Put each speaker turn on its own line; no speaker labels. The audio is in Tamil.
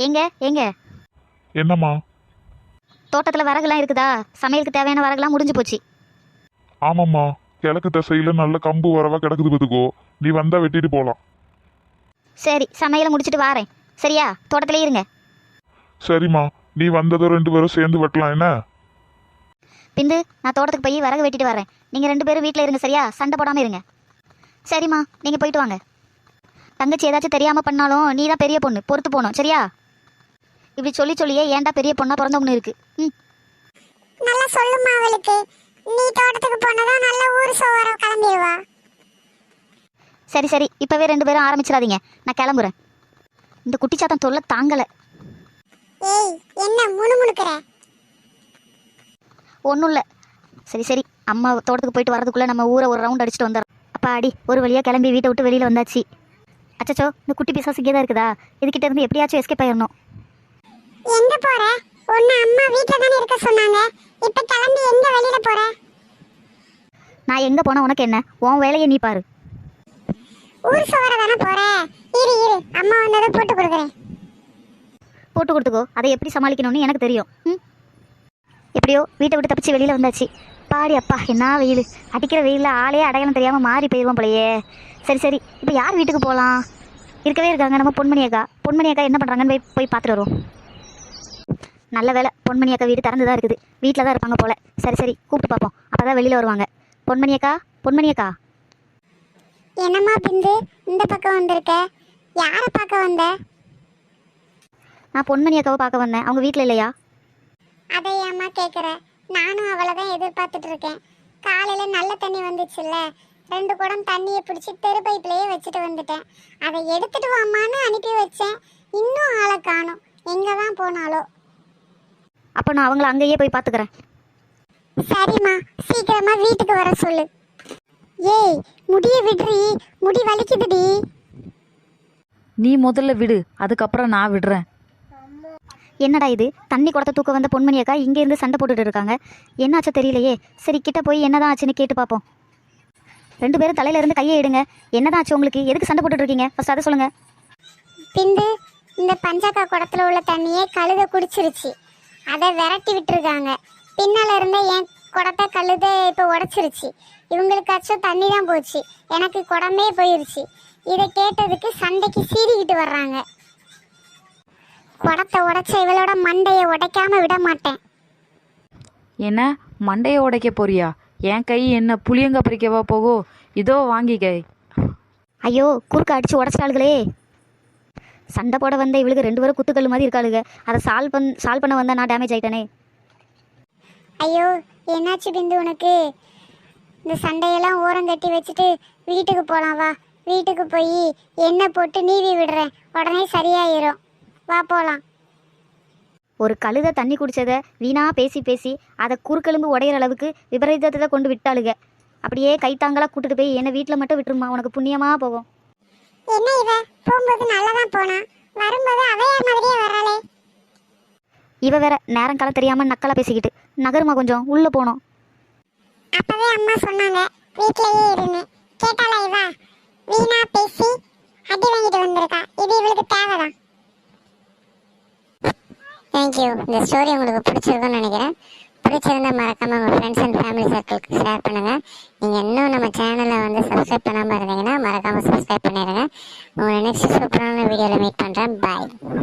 எங்க எங்க
என்னம்மா?
தோட்டத்தில் விறகுலாம் இருக்குதா? சமையலுக்கு தேவையான விறகுலாம் முடிஞ்சு போச்சு.
ஆமாம்மா, கிழக்கு திசையில நல்ல கம்பு வரவா கிடக்குது பார்த்துக்கோ. நீ வந்தா வெட்டிட்டு போகலாம்.
சரி, சமையலை முடிச்சுட்டு வாரேன். சரியா? தோட்டத்திலே இருங்க.
சரிம்மா, நீ வந்ததும் 2 பேரும் சேர்ந்து வெட்டலாம் என்ன?
பிந்து, நான் தோட்டத்துக்கு போய் விறகு வெட்டிட்டு வரேன். நீங்கள் 2 பேரும் வீட்டில் இருங்க. சரியா? சண்டை போடாமல் இருங்க. சரிம்மா, நீங்கள் போயிட்டு வாங்க. தங்கச்சி ஏதாச்சும் தெரியாமல் பண்ணாலும் நீ தான் பெரிய பொண்ணு, பொறுத்து போகணும். சரியா? இப்படி சொல்லி சொல்லியே ஏன்டா பெரிய பொண்ணா பிறந்தவனு இருக்கு.
நல்லா சொல்லுமா அவளுக்கு. நீ தோட்டத்துக்கு போனதான் நல்ல ஊர் சோவரம் கிளம்பிடுவா.
சரி சரி, இப்போவே 2 பேரும் ஆரம்பிச்சிடாதீங்க. நான் கிளம்புறேன். இந்த குட்டிச்சாத்தம் தொல்லை தாங்கலை.
ஏய், என்ன முணுமுணுக்கிற?
ஒன்றும் இல்லை. சரி சரி, அம்மா தோட்டத்துக்கு போயிட்டு வரதுக்குள்ளே நம்ம ஊரை ஒரு ரவுண்ட் அடிச்சுட்டு வந்துடுறோம். அப்பா அடி, ஒரு வழியாக கிளம்பி வீட்டை விட்டு வெளியில் வந்தாச்சு. அச்சச்சோ, இந்த குட்டி பிசாசு இங்கே தான் இருக்குதா? இதுகிட்ட இருந்து எப்படியாச்சும் எஸ்கேப் ஆயிடணும்.
எங்க போற? உன்னை அம்மா வீட்ல தானே இருக்க சொன்னாங்க. இப்ப கிளம்பி எங்க வெளியில போற?
நான் எங்கே போனால் உனக்கு என்ன? உன் வேலையை நீ பாரு.
ஊர் சோவர தானே போற. இரு இரு, அம்மா வந்ததை போட்டு கொடுக்குறேன்.
போட்டு கொடுத்துக்கோ. அதை எப்படி சமாளிக்கணும்னு எனக்கு தெரியும். எப்படியோ வீட்டை விட்டு தப்பிச்சு வெளியில் வந்தாச்சு. பாடி அப்பா, என்ன வெயில்! அடிக்கிற வெயிலில் ஆளே அடையாளம் தெரியாமல் மாறி போயிடுவோம் போலையே. சரி சரி, இப்போ யார் வீட்டுக்கு போகலாம்? இருக்கவே இருக்காங்க நம்ம பொன்மணி அக்கா. பொன்மணி அக்கா என்ன பண்ணுறாங்கன்னு போய் பார்த்துட்டு வருவோம். நல்ல வேலை, பொன்மணி அக்கா வீடு திறந்து தான் இருக்குது. வீட்டில் தான் இருப்பாங்க போல். சரி சரி, கூப்பிட்டு பார்ப்போம். அப்போ தான் வெளியில் வருவாங்க. பொன்மணி அக்கா, பொன்மணி அக்கா.
என்னம்மா பிந்து, இந்த பக்கம் வந்திருக்க? யாரை பார்க்க வந்த?
நான் பொன்மணி அக்காவை பார்க்க வந்தேன். அவங்க வீட்டில் இல்லையா?
அதை ஏம்மா கேட்குற? நானும் அவளை தான் எதிர்பார்த்துட்டு இருக்கேன். காலையில் நல்ல தண்ணி வந்துச்சுல்ல, 2 குடம் தண்ணியை பிடிச்சி தெரு பைப்லேயே வச்சுட்டு வந்துட்டேன். அதை எடுத்துட்டு வாமான்னு அனுப்பி வச்சேன். இன்னும் ஆளை காணும். எங்கே தான் போனாலோ.
அப்போ நான் அவங்கள அங்கேயே போய் பார்த்துக்கிறேன்.
சரிம்மா, சீக்கிரமா வீட்டுக்கு வர சொல்லு. ஏய், முடிய விடுறி, முடி வலிக்குதுடி.
நீ முதல்ல விடு, அதுக்கப்புறம் நான் விடுறேன்.
என்னடா இது? தண்ணி குடத்தை தூக்க வந்த பொன்மணி அக்கா இங்கேருந்து சண்டை போட்டுட்டு இருக்காங்க. என்னாச்சோ தெரியலையே. சரி, கிட்ட போய் என்னதான் ஆச்சுன்னு கேட்டு பார்ப்போம். 2 பேரும் தலையில இருந்து கையை எடுங்க. என்னதான் ஆச்சு உங்களுக்கு? எதுக்கு சண்டை போட்டுட்டு இருக்கீங்க? ஃபர்ஸ்ட் அதை சொல்லுங்க.
பிந்து, இந்த பஞ்சாக்கா குடத்துல உள்ள தண்ணியை கழுத குடிச்சிருச்சு. அதை விரட்டி விட்டுருக்காங்க. பின்னால இருந்த என் குடத்தை கழுத இப்போ உடைச்சிருச்சு. இவங்களுக்காச்சும் தண்ணி தான் போச்சு, எனக்கு குடமே போயிருச்சு. இதை கேட்டதுக்கு சண்டைக்கு சீறிக்கிட்டு வர்றாங்க. குடத்தை உடைச்ச இவளோட மண்டையை உடைக்காம விட மாட்டேன்.
என்ன மண்டையை உடைக்க போறியா? என் கை என்ன புளியங்க பறிக்கவா போகோ? இதோ வாங்கிக்க.
ஐயோ, குறுக்க அடிச்சு உடச்சிட்டாளுகளே. சண்டை போட வந்த இவளுக்கு 2 பேரும் குத்துக்கல் மாதிரி இருக்காளுங்க. அதை சால்வ் பண்ண வந்தா நான் டேமேஜ் ஆயிட்டானே.
ஐயோ, என்னாச்சு பிந்து உனக்கு? இந்த சண்டையெல்லாம் ஓரம் கட்டி வச்சுட்டு வீட்டுக்கு போகலாம் வா. வீட்டுக்கு போய் எண்ணெய் போட்டு நீவி விடுறேன், உடனே சரியாயிரும். வா போகலாம்.
ஒரு கழுதை தண்ணி குடிச்சதை வீணா பேசி பேசி அதை குறுக்கெலும்பு உடையிற அளவுக்கு விபரீதத்தை கொண்டு விட்டாளுங்க. அப்படியே கைத்தாங்களாக கூட்டிட்டு போய் என்னை வீட்டில் மட்டும் விட்டுருமா, உனக்கு புண்ணியமாக போகும்.
என்ன இவ போகும்போது நல்லதான் போனா, வரும்போது அவையார் மாதிரியே வராளே.
இவ வேற நேரம் காலம் தெரியாமல் நக்கலாக பேசிக்கிட்டு நகருமா, கொஞ்சம் உள்ளே போனோம்.
அப்பவே அம்மா சொன்னாங்க வீட்லயே இருன்னு. கேட்டாளா இவ? வீணா பேசி அடி வாங்கிட்டு வந்திருக்கா. இது இவளுக்கு தேவைதான். தேங்க்யூ. இந்த ஸ்டோரி உங்களுக்கு பிடிச்சிருக்குன்னு நினைக்கிறேன். பிடிச்சிருந்தா மறக்காம உங்கள் ஃப்ரெண்ட்ஸ் அண்ட் ஃபேமிலி சர்க்கிளுக்கு ஷேர் பண்ணுங்கள். நீங்கள் இன்னும் நம்ம சேனலை வந்து சப்ஸ்கிரைப் பண்ணாமல் இருந்தீங்கன்னா மறக்காமல் சப்ஸ்கிரைப் பண்ணிடுங்க. உங்களை நெக்ஸ்ட் சூப்பரான வீடியோவில் மீட் பண்ணுறேன். பாய்.